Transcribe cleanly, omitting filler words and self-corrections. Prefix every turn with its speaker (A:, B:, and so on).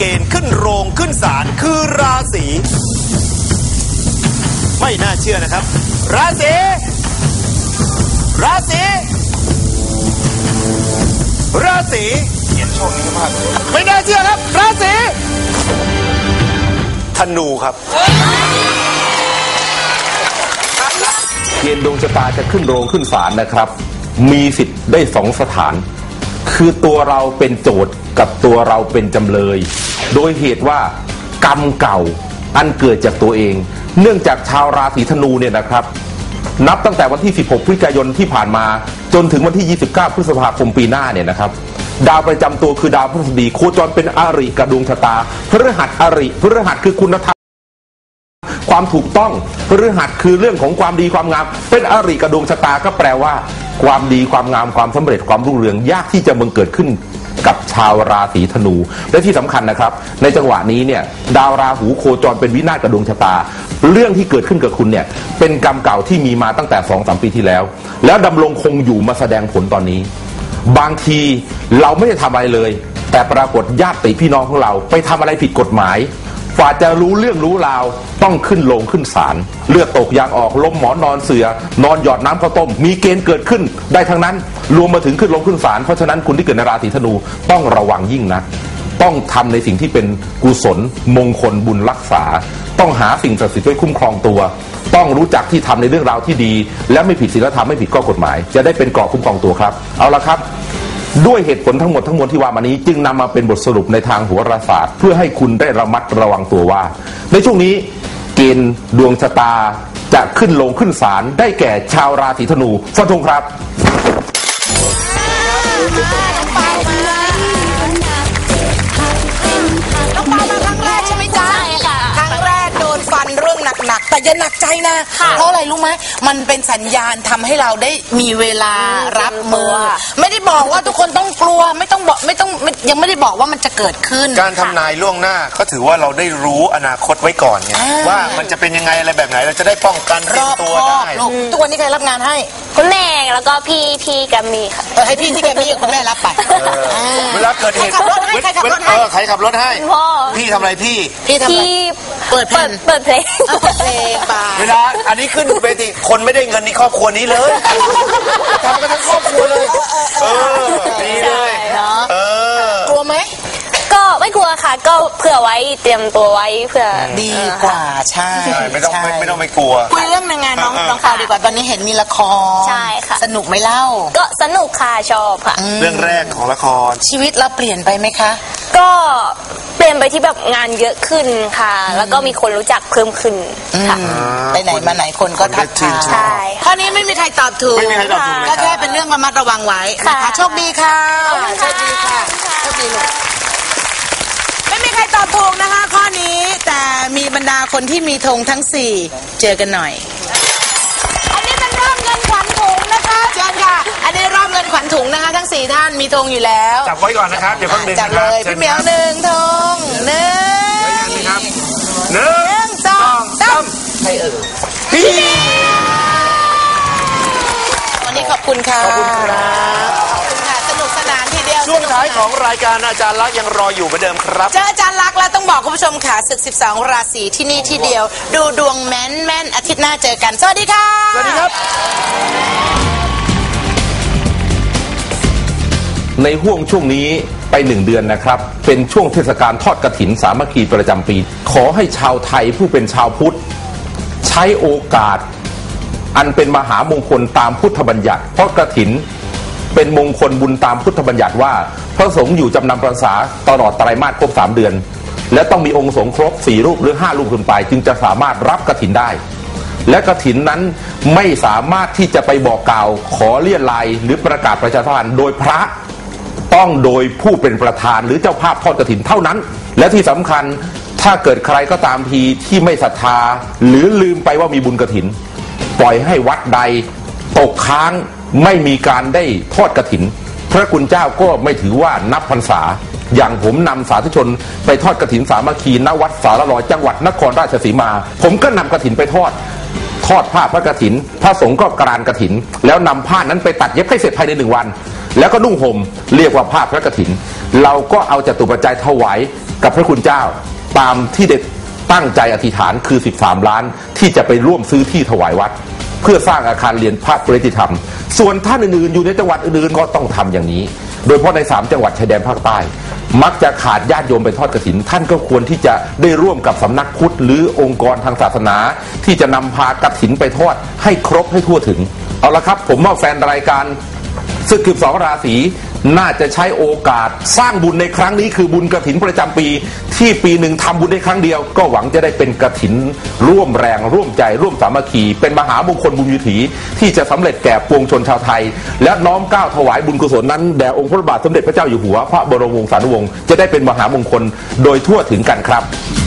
A: ณฑ์ขึ้นโรงขึ้นศาลคือราศีไม่น่าเชื่อนะครับราศีเขียนช่วงนี้มากไม่น่าเชื่อครับราศีธนูครับ
B: เกณฑ์ดวงชะตาจะขึ้นโรงขึ้นศาลนะครับมีสิทธิ์ได้2 สถานคือตัวเราเป็นโจทย์กับตัวเราเป็นจำเลยโดยเหตุว่ากรรมเก่าอันเกิดจากตัวเองเนื่องจากชาวราศีธนูเนี่ยนะครับนับตั้งแต่วันที่16 พฤศจิกายนที่ผ่านมาจนถึงวันที่29 พฤษภาคมปีหน้าเนี่ยนะครับดาวประจำตัวคือดาวพฤหัสบดีโคจรเป็นอริกับดวงชะตาพฤหัสอริพฤหัสคือคุณธรรมความถูกต้องพฤหัสคือเรื่องของความดีความงามเป็นอริกับดวงชะตาก็แปลว่าความดีความงามความสำเร็จความรุ่งเรืองยากที่จะบังเกิดขึ้นกับชาวราศีธนูและที่สำคัญนะครับในจังหวะนี้เนี่ยดาวราหูโคจรเป็นวินาศกับดวงชะตาเรื่องที่เกิดขึ้นกับคุณเนี่ยเป็นกรรมเก่าที่มีมาตั้งแต่ 2-3 ปีที่แล้วดำรงคงอยู่มาแสดงผลตอนนี้บางทีเราไม่ได้ทำอะไรเลยแต่ปรากฏญาติพี่น้องของเราไปทำอะไรผิดกฎหมายฝ่าจะรู้เรื่องรู้ราวต้องขึ้นโรงขึ้นศาลเลือดตกยางออกล้มหมอนนอนเสือนอนหยอดน้ำข้าวต้มมีเกณฑ์เกิดขึ้นได้ทั้งนั้นรวมมาถึงขึ้นโรงขึ้นศาลเพราะฉะนั้นคุณที่เกิดในราศีธนูต้องระวังยิ่งนะต้องทำในสิ่งที่เป็นกุศลมงคลบุญรักษาต้องหาสิ่งศักดิ์สิทธิ์ไว้คุ้มครองตัวต้องรู้จักที่ทำในเรื่องราวที่ดีและไม่ผิดศีลธรรมไม่ผิดข้อกฎหมายจะได้เป็นเกราะคุ้มครองตัวครับเอาละครับด้วยเหตุผลทั้งหมดที่ว่ามานี้จึงนำมาเป็นบทสรุปในทางโหราศาสตร์เพื่อให้คุณได้ระมัดระวังตัวว่าในช่วงนี้เกณฑ์ดวงชะตาจะขึ้นโรงขึ้นศาลได้แก่ชาวราศีธนูฟันธงครับ
C: น้องปามาครั้งแรกใช่ไหมจ๊ะใช่ค่ะครั้งแรกโดนฟันเรื่องหนักๆแต่อย่าหนักใจนะเพราะอะไรรู้ไหมมันเป็นสัญญาณทำให้เราได้มีเวลารับมือไม่ได้บอกว่าทุกคนต้องกลัวไม่ต้องยังไม่ได้บอกว่ามันจะเกิดขึ้น
A: การทำนายล่วงหน้าก็ถือว่าเราได้รู้อนาคตไว้ก่อนไงว่ามันจะเป็นยังไงอะไรแบบไหนเราจะได้ป้องกันเตรียมตัวได้
C: ทุกวันนี้ใครรับงานให้
D: คุณแม่แล้วก็พี่แกมมี่ค่ะ
C: ให้พี่ที่แกมมี่คุณแม่รับไป
A: เวลาเกิดเหตุใครขับรถให้พี่ทำอะไรพี่
D: เปิดเพลง
A: เวลาอันนี้ขึ้นเวทีคนไม่ได้เงินในครอบครัวนี้เลยทำกันทั้งครอบครัวเลยดีเลย
C: กลัวไหม
D: ก็ไม่กลัวค่ะก็เผื่อไว้เตรียมตัวไว้เผื่อ
C: ดีกว่าใช่
A: ไม่ต้องไม่กลัว
C: คุยเรื่องงานน้องข่าวดีกว่าตอนนี้เห็นมีละคร
D: ใช่ค่ะ
C: สนุกไหมเล่า
D: ก็สนุกค่ะชอบค่ะ
A: เรื่องแรกของละคร
C: ชีวิตเราเปลี่ยนไปไหมคะ
D: ก็เปลี่ยนไปที่แบบงานเยอะขึ้นค่ะแล้วก็มีคนรู้จักเพิ่มขึ้นค่ะ
C: ไปไหนมาไหนคนก็ทักทาย
D: ใช่
C: ข้อนี้ไม่มีใครตอบถูกก็แค่เป็นเรื่องระมัดระวังไว้นะคะโชคดีค่ะโชคดีค่ะโชคดีลูกไม่มีใครตอบถูกนะคะข้อนี้แต่มีบรรดาคนที่มีธงทั้ง4เจอกันหน่อยอันนี้เป็นรอบเงินขวัญถุงนะคะเชิญค่ะอันนี้รอบเงินขวัญถุงนะคะทั้ง4ท่านมีธงอยู่แล้ว
A: จับไว้ก่อนนะครับเดี๋ยวเพิ่งดึง
C: จับเลยพี่เหมียว1ธง1
A: ครับ
C: 1 2 3ให้พี่วันนี้ขอบคุณค่ะ
A: ขอบคุณครับ
C: สนุกสนานทีเดียว
A: ช่วงท้ายของรายการอาจารย์ลักษณ์ยังรออยู่เหมือนเดิมครับ
C: เจออาจารย์ลักษณ์แล้วต้องบอกคุณผู้ชมค่ะศึก12ราศีที่นี่ที่เดียวดูดวงแม่นอาทิตย์หน้าเจอกันสวัสดีค่ะ
A: สวัสดีครับ
B: ในห่วงช่วงนี้ไป1 เดือนนะครับเป็นช่วงเทศกาลทอดกฐินสามัคคีประจำปีขอให้ชาวไทยผู้เป็นชาวพุทธใช้โอกาสอันเป็นมหามงคลตามพุทธบัญญัติเพราะกฐินเป็นมงคลบุญตามพุทธบัญญัติว่าพระสงฆ์อยู่จำนำพรรษาตลอดไตรมาสครบ3 เดือนและต้องมีองค์สงฆ์ครบ4 รูปหรือ5 รูปขึ้นไปจึงจะสามารถรับกฐินได้และกฐินนั้นไม่สามารถที่จะไปบอกกล่าวขอเลี่ยนลายหรือประกาศประชาสัมพันธ์โดยพระต้องโดยผู้เป็นประธานหรือเจ้าภาพทอดกฐินเท่านั้นและที่สำคัญถ้าเกิดใครก็ตามทีที่ไม่ศรัทธาหรือลืมไปว่ามีบุญกฐินปล่อยให้วัดใดตกค้างไม่มีการได้ทอดกฐินพระคุณเจ้าก็ไม่ถือว่านับพรรษาอย่างผมนำสาธุชนไปทอดกฐินสามัคคีณวัดสารลอยจังหวัดนครราชสีมาผมก็นำกฐินไปทอดผ้าพระกฐินพระสงฆ์ก็กรานกฐินแล้วนำผ้านั้นไปตัดเย็บให้เสร็จภายใน1 วันแล้วก็นุ่งห่มเรียกว่าผ้าพระกฐินเราก็เอาจตุปัจจัยถวายกับพระคุณเจ้าตามที่ได้ตั้งใจอธิษฐานคือ13 ล้านที่จะไปร่วมซื้อที่ถวายวัดเพื่อสร้างอาคารเรียนพระปริยติธรรมส่วนท่านอื่นๆอยู่ในจังหวัดอื่นๆก็ต้องทำอย่างนี้โดยเฉพาะใน3 จังหวัดชายแดนภาคใต้มักจะขาดญาติโยมไปทอดกฐินท่านก็ควรที่จะได้ร่วมกับสำนักพุทธหรือองค์กรทางศาสนาที่จะนำพากฐินไปทอดให้ครบให้ทั่วถึงเอาละครับผมว่าแฟนรายการศึก12 ราศีน่าจะใช้โอกาสสร้างบุญในครั้งนี้คือบุญกฐินประจำปีที่ปีหนึ่งทำบุญได้ครั้งเดียวก็หวังจะได้เป็นกฐินร่วมแรงร่วมใจร่วมสามัคคีเป็นมหามงคลบุญวิถีที่จะสำเร็จแก่ปวงชนชาวไทยและน้อมเกล้าถวายบุญกุศลนั้นแด่องค์พระบาทสมเด็จพระเจ้าอยู่หัวพระบรมวงศานุวงศ์จะได้เป็นมหามงคลโดยทั่วถึงกันครับ